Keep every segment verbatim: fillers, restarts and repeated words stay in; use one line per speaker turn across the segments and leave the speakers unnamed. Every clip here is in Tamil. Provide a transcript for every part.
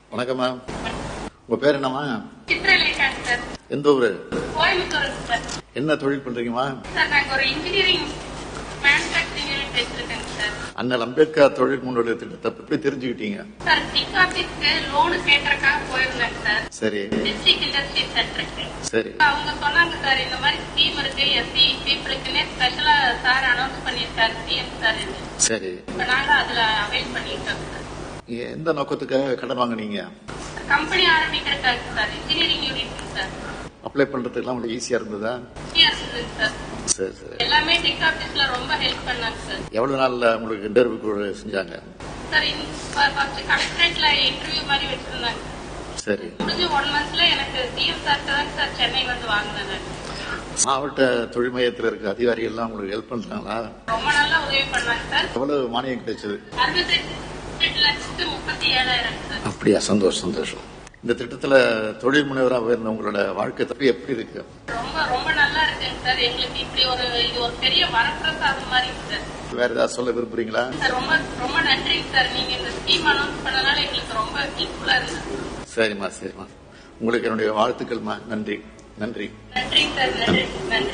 வணக்கம் மேம். உங்க பேர் என்னம்மா?
சித்ரலேகா சார்.
எந்த ஊரு?
கோயம்புத்தூர் சார்.
என்ன தொழில் பண்றீங்கம்மா?
சார் நாங்க ஒரு இன்ஜினியரிங் மேனுஃபேக்சரிங் யூனிட் வச்சிருக்கேன் சார்.
அண்ணல் அம்பேத்கர் தொழில் முன்னோடி திட்டத்தை எப்படி தெரிஞ்சுக்கிட்டீங்க?
சார் டிக் ஆபீஸ்க்கு லோனு கேட்கறதுக்காக போயிருந்தேன் சார்.
சரி.
டிஸ்ட்ரிக்ட் இண்டஸ்ட்ரி சென்டருக்கு.
சரி.
அவங்க சொன்னாங்க சார் இந்த மாதிரி ஸ்கீம் இருக்கு எஸ்சி பீப்புளுக்குன்னே ஸ்பெஷலா சார் அனௌன்ஸ் பண்ணியிருக்காரு சிஎம் சார்.
சரி.
இப்ப நாங்க அதுல அவைல் பண்ணிட்டோம் சார்.
எந்த நோக்கத்துக்காக கடன் வாங்குனீங்க?
கம்பெனி ஆரம்பிக்கிறதுக்காக sir. Engineering unit sir.
Apply பண்றதுக்கெல்லாம் உங்களுக்கு ஈஸியா இருந்ததா?
ஈஸியா இருந்தது சார்.
சரி சரி.
எல்லாமே டிக் ஆபீஸ்ல ரொம்ப ஹெல்ப் பண்ணாங்க சார்.
எவ்வளவு நாள்ல உங்களுக்கு இன்டர்வியூ செஞ்சாங்க?
சார் ஃபர்ஸ்ட் கலெக்டரேட்ல இன்டர்வியூ மாதிரி வச்சிருந்தாங்க.
சரி.
முடிஞ்சு ஒன் மந்த்ல எனக்கு சிஎம் சார் தான் சார் சென்னை வந்து வாங்கினேன்.
மாவட்ட தொழில் மையத்தில் இருக்க அதிகாரிகள் எல்லாம் உங்களுக்கு ஹெல்ப் பண்றாங்களா?
ரொம்ப நல்லா உதவி பண்ணாங்க சார்.
எவ்வளவு மானியம் கிடைச்சது?
அறுபத்தெட்டு லட்சத்து முப்பத்தி ஏழாயிரம் சார்.
அப்படியா? சந்தோஷம் சந்தோஷம். இந்த திட்டத்துல தொழில் முனைவராக இருந்த உங்களோட வாழ்க்கை தப்பி எப்படி இருக்கு?
ரொம்ப ரொம்ப நல்லா இருக்குங்க சார். எங்களுக்கு இப்படி ஒரு இது ஒரு பெரிய வரப்பிரசாதம் மாதிரி சார்.
வேற ஏதாவது சொல்ல விரும்புறீங்களா?
சார் ரொம்ப ரொம்ப நன்றிங்க சார். நீங்க இந்த ஸ்கீம் அனௌன்ஸ் பண்ணனால எங்களுக்கு ரொம்ப ஹெல்ப்ஃபுல்லா இருந்தது.
சரிம்மா சரிம்மா. உங்களுக்கு என்னுடைய வாழ்த்துக்கள்மா. நன்றி நன்றி.
நன்றிங்க சார். நன்றி நன்றி.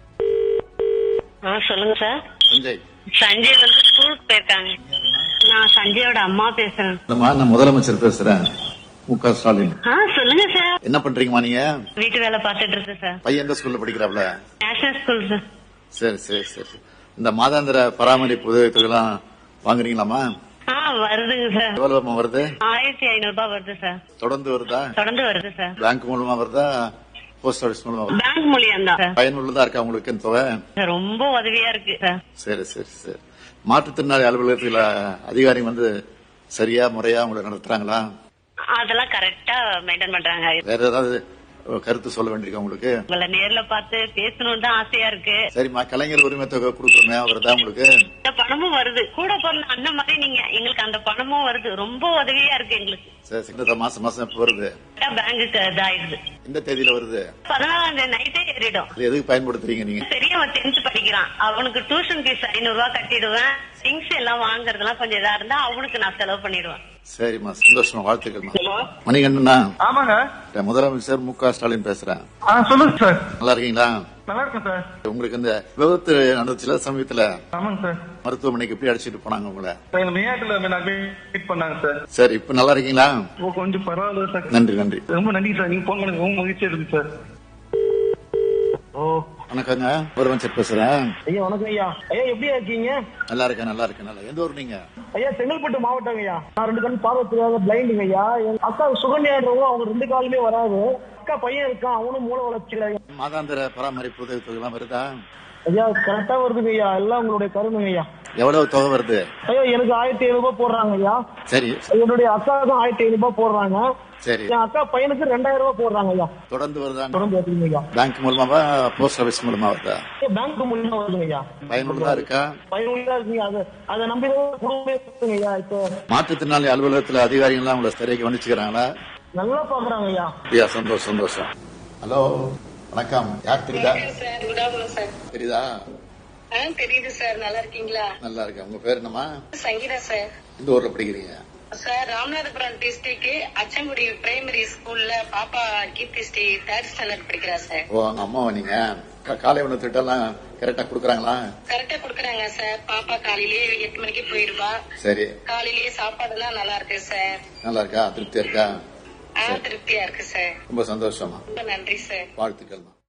சொல்லுங்க சார்.
சஞ்சய்.
சஞ்சய் வந்து ஸ்கூலுக்கு போயிருக்காங்க. நான் சஞ்சயோட அம்மா பேசுறேன்.
நான் முதலமைச்சர் பேசுறேன், மு க ஸ்டாலின்.
சொல்லுங்க சார்.
என்ன பண்றீங்கம்மா நீங்க?
வீட்டு வேலை பாத்துட்டு இருக்கேன் சார்.
பையன் எந்த ஸ்கூல்ல படிக்கிறாப்ல?
National school sir.
சரி சரி சரி. இந்த மாதாந்திர பராமரிப்பு உதவித்தொகைலாம் வாங்குறீங்களாமா?
ஆ வருதுங்க சார்.
எவ்வளவு வருது?
ஆயிரத்தி ஐநூறு ரூபாய் வருது சார்.
தொடர்ந்து வருதா?
தொடர்ந்து வருது சார்.
பேங்க் மூலமா வருதா, போஸ்ட் ஆபீஸ் மூலமா வருதா?
பேங்க் மூலியம் தான் சார்.
பயனுள்ளதா இருக்கா உங்களுக்கு இந்த தொகை?
ரொம்ப உதவியா இருக்கு சார்.
சரி சரி சரி. மாற்றுத்திறனாளி அலுவலகத்தில் அதிகாரி வந்து சரியா முறையா உங்களை நடத்துறாங்களா?
அதெல்லாம் கரெக்டா மெயின்டைன் பண்றாங்க.
வேற ஏதாவது கருத்து சொல்ல வேண்டியிருக்கா உங்களுக்கு?
உங்களை நேர்ல பார்த்து பேசணும்னு தான் ஆசையா இருக்கு.
சரிம்மா. கலைஞர் உரிமை தொகை கொடுக்குறோமே, அவர்தான் உங்களுக்கு?
இந்த பணமும் வருது. கூட பிறந்த அண்ணன் மாதிரி நீங்க எங்களுக்கு அந்த பணமும் வருது. ரொம்ப உதவியா இருக்கு எங்களுக்கு.
சரி. இந்த மாசம் மாசம் எப்ப வருது?
பேங்குக்கு இதாயிடுது.
இந்த தேதியில வருது?
பதினாலாம் தேதி நைட்டே ஏறிடும்.
எதுக்கு பயன்படுத்துறீங்க நீங்க?
பெரியவன் டென்த் படிக்கிறான். அவனுக்கு டியூஷன் ஃபீஸ் ஐநூறு ரூபாய் கட்டிடுவேன். திங்ஸ் எல்லாம் வாங்குறதுலாம் கொஞ்சம் இதா இருந்தா அவனுக்கு நான் செலவு பண்ணிடுவேன்.
சரிம்மா. சந்தோஷமா. வாழ்த்துக்கள்மா. மணிகண்டனா?
ஆமாங்க.
முதலமைச்சர் மு க ஸ்டாலின் பேசுறேன்.
சொல்லுங்க சார்.
நல்லா இருக்கீங்களா?
நல்லா இருக்கேன் சார்.
உங்களுக்கு இந்த விபத்து நடந்துச்சுல சமயத்துல?
ஆமாங்க சார்.
மருத்துவமனைக்கு எப்படி அடிச்சிட்டு போனாங்க உங்களை?
மேயாட்டுல அட்மிட் பண்ணாங்க சார்.
சரி. இப்ப நல்லா இருக்கீங்களா?
கொஞ்சம் பரவாயில்ல சார்.
நன்றி நன்றி.
ரொம்ப நன்றி சார். நீங்க போன் பண்ணி ரொம்ப மகிழ்ச்சியா இருக்கு சார். ஓ
வணக்கங்க. முதலமைச்சர் பேசுறேன்.
ஐயா வணக்கம் ஐயா. ஐயா எப்படி இருக்கீங்க?
நல்லா இருக்கேன் நல்லா இருக்கேன். நல்லா. எந்த ஊர் நீங்க?
ஐயா செங்கல்பட்டு மாவட்டம் ஐயா. நான் ரெண்டு கண் பார்வை தெரியாத பிளைண்டுங்க ஐயா. எங்க அக்கா சுகன்யாடுறவங்க அவங்க ரெண்டு காலுமே வராது. அக்கா பையன் இருக்கான், அவனும் மூல வளர்ச்சியில.
மாதாந்திர பராமரிப்பு உதவி தொகை எல்லாம் வருதா?
ஐயா கரெக்டா வருதுங்க ஐயா. எல்லாம் உங்களுடைய கருணுங்க ஐயா.
எவ்வளவு தொகை வருது?
ஐயா எனக்கு ஆயிரத்தி ஐநூறு ரூபாய் போடுறாங்க ஐயா.
சரி.
என்னுடைய அக்காவுக்கும் ஆயிரத்தி ஐநூறு ரூபாய் போடுறாங்க.
சரி.
என் அக்கா பையனுக்கு ரெண்டாயிரம் ரூபாய் போடுறாங்க ஐயா.
தொடர்ந்து வருதா?
தொடர்ந்து வருதுங்க ஐயா.
பேங்க் மூலமாவா, போஸ்ட் ஆபீஸ் மூலமா வருதா?
பேங்க் மூலியமா வருதுங்க ஐயா.
பயனுள்ளதா இருக்கா?
பயனுள்ளதா இருக்குங்க. அது அதை நம்பி குடும்பமே இருக்குங்க ஐயா. இப்போ
மாற்றுத்திறனாளி அலுவலகத்துல அதிகாரிகள் எல்லாம் உங்களை சரியாக கவனிச்சுக்கிறாங்களா?
நல்லா பாக்குறாங்க ஐயா.
அப்படியா? சந்தோஷம் சந்தோஷம். ஹலோ வணக்கம். யார் தெரியுதா? தெரியுதா?
தெரியுது சார். நல்லா இருக்கீங்களா?
நல்லா இருக்கேன். உங்க பேர் என்னமா?
சங்கீதா சார்.
இந்த ஊர்ல படிக்கிறீங்க?
Sir Ramanathapuram district Achankudi primary ஸ்கூல்ல பாப்பா கீர்த்தி ஸ்ரீ தேர்ட் ஸ்டாண்டர்ட் படிக்கிறா சார்.
ஓ அங்க அம்மாவா நீங்க? காலை உணவு திட்டம் எல்லாம் கரெக்டா குடுக்கறாங்களா?
கரெக்டா குடுக்கறாங்க சார். பாப்பா காலையிலேயே எட்டு மணிக்கு போயிருவா.
சரி.
காலையிலேயே சாப்பாடு எல்லாம் நல்லா இருக்கு சார்.
நல்லா இருக்கா? திருப்தியா இருக்கா?
திருப்தியா இருக்கு சார்.
ரொம்ப சந்தோஷமா.
ரொம்ப நன்றி சார்.
வாழ்த்துக்கள்.